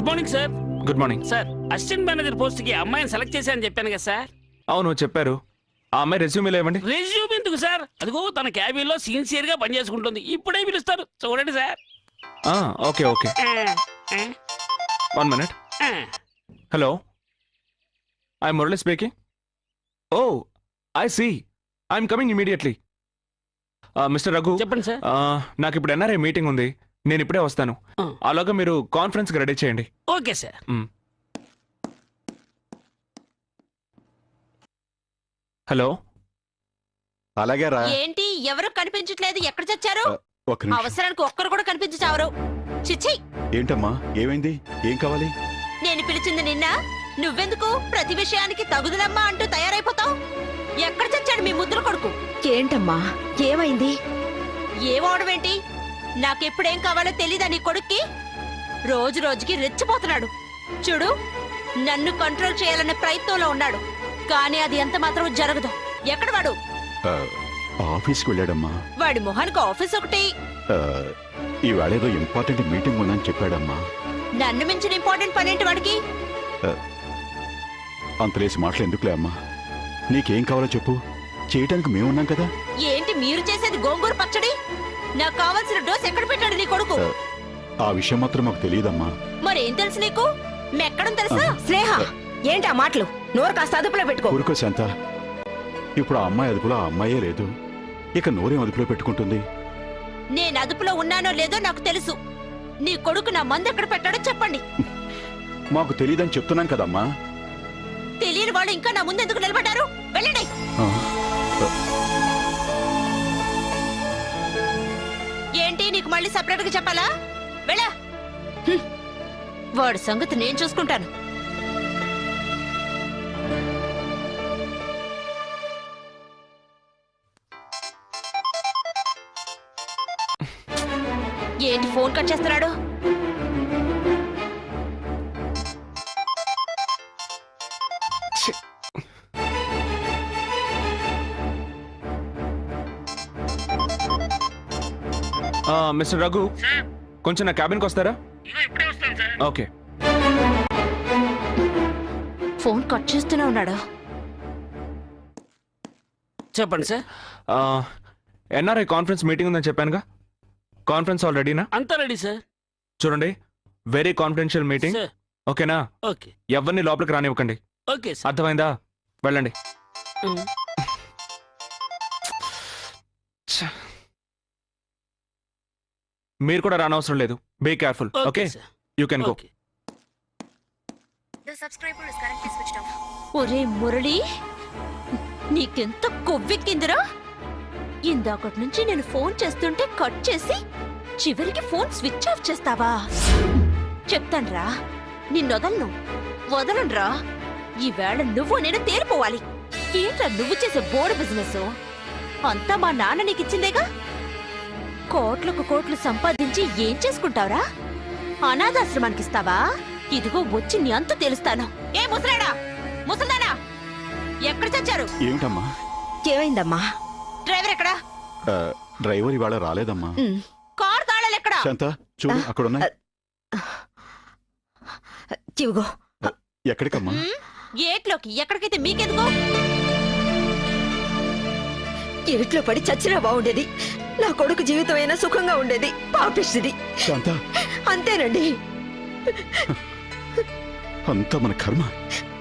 Morning sir. Good morning sir, assistant manager post కి అమ్మాయిని select చేశానని చెప్పాను కదా సార్. అవును చెప్పారు. ఆ అమ్మాయి రెజ్యూమేలో ఇవ్వండి. రెజ్యూమ్ ఎందుకు సార్? అదిగో తన క్యాబిన్ లో సిన్సియర్ గా పనిచేసుకుంటుంది. ఇప్పుడే పిలుస్తారు, చూడండి sir. Okay okay, 1 minute. Hello, I Murali speaking. Oh I see, I'm coming immediately. Mister Raghu, చెప్పండి సార్. నాకు ఇప్పుడు ఎన్ఆర్ఐ మీటింగ్ ఉంది, నేను ఇప్పుడే వస్తాను. అలాగా మీరు కాన్ఫరెన్స్ కి రెడీ చేయండి. Okay sir. హలో. అలాగే రా. ఏంటి ఎవరు కనిపించట్లేదు? ఎక్కడ చచ్చారు? ఒక్క నిమిషం. అవసరానికి ఒక్కరు కూడా కనిపించావరు. చిచ్చి, ఏంటమ్మా, ఏమైంది? ఏం కావాలి? నేను పిలిచింది నిన్న. నువ్వెందుకు ప్రతి విషయానికి తగుదలమ్మా అంటూ తయారైపోతావు? ఎక్కడ చచ్చాడు మీ ముద్దుల కొడుకు? ఏంటమ్మా, ఏమైంది? ఏమవడమేంటి? నాకెప్పుడేం కావాలో తెలీదా నీ కొడుక్కి? రోజు రోజుకి రెచ్చిపోతున్నాడు. చూడు, నన్ను కంట్రోల్ చేయాలనే ప్రయత్నంలో ఉన్నాడు, కానీ అది ఎంత మాత్రం జరగదు. ఎక్కడ వాడు? ఆఫీస్కి వెళ్ళాడమ్మా. వాడి మొహానికి ఆఫీస్ ఒకటి. ఈవేళేదో ఇంపార్టెంట్ మీటింగ్ ఉందని చెప్పాడమ్మా. నన్ను మించిన ఇంపార్టెంట్ పనేంటి వాడికి? అంతలేసి మాటలు ఎందుకులే అమ్మా. నీకేం కావాలో చెప్పు, చేయటానికి మేమున్నాం కదా. ఏంటి మీరు చేసేది? గోంగూర పచ్చడి. నాకు కావాల్సిన డోస్ ఎక్కడ పెట్టాడు నీ కొడుకు? ఆ విషయం మాత్రం మాకు తెలియదమ్మా. మరేం తెలుసు నీకు? మెక్కడం తెలుసా? స్నేహ, ఏంటి ఆ మాటలు? నోరు కాస్త అదుపులో పెట్టుకో. ఊరుకో శాంత. ఇప్పుడు ఆ అమ్మాయి అదుపులో ఆ అమ్మాయే లేదు, ఇక నోరేం అదుపులో పెట్టుకుంటుంది? నేను అదుపులో ఉన్నానో లేదో నాకు తెలుసు. నీ కొడుకు నా మందు ఎక్కడ పెట్టాడో చెప్పండి. మాకు తెలియదని చెప్తున్నాం కదమ్మా. తెలియని వాళ్ళు ఇంకా నా ముందు ఎందుకు నిలబడ్డారు? వెళ్ళండి. ఏంటి, నీకు మళ్ళీ సపరేట్ గా చెప్పాలా? వెళ్ళా. వాడి సంగతి నేను చూసుకుంటాను. ఏంటి ఫోన్ కట్ చేస్తున్నాడు? మిస్టర్ రఘు, కొంచెం నా క్యాబిన్కి వస్తారా? ఓకే. ఫోన్ కట్ చేస్తూనే ఉన్నాడు. చెప్పండి సార్. ఎన్ఆర్ఐ కాన్ఫరెన్స్ మీటింగ్ ఉందని చెప్పానుగా. కాన్ఫరెన్స్ ఆల్ రెడీనా? అంతా రెడీ సార్. చూడండి, వెరీ కాన్ఫిడెన్షియల్ మీటింగ్, సార్. ఓకేనా? ఓకే. ఎవరిని లోపలికి రానివ్వకండి, ఓకే సార్. అర్థమైందా? వెళ్ళండి. మీరు కూడా రానవసరం లేదు. Be careful. Okay, you can go. ఒరే మురళి, నీకెంత కొవ్వెక్కిందిరా? ఇందాకటి నుంచి నేను ఫోన్ చేస్తుంటే కట్ చేసి చివరికి ఫోన్ స్విచ్ ఆఫ్ చేస్తావా? చెప్తాన్రా, నిన్నొదలను వదలనురా. ఈవేళ నువ్వు నేను తేలిపోవాలి. ఏంట్రా నువ్వు చేసే బోర్డు బిజినెస్? అంతా మా నాన్న నీకిచ్చిందేగా. కోట్లకు కోట్లు సంపాదించి ఏం చేసుకుంటావురా? అనాథాశ్రమానికి ఇస్తావా? ఇదిగో వచ్చి నీ అంతు తెలుస్తాను. ఏ ముసలాడా, ముసల్దానా, ఎక్కడ చచ్చారు? ఏమిటమ్మా? ఏమైందమ్మా? డ్రైవర్ ఎక్కడా? డ్రైవర్ ఇవాళ రాలేదమ్మా. కార్ తాళాలు ఎక్కడా? శాంత, చూడు అక్కడ ఉన్నాయి. ఇవిగో. ఎక్కడికమ్మా? ఏట్లోకి. ఎక్కడికైతే మీకెందుకో? ఇరుట్లో పడి చచ్చినా బాగుండేది. నా కొడుకు జీవితమైనా సుఖంగా ఉండేది. పాపిస్తుంది. శాంత, అంతేనండి. అంతా మన కర్మ.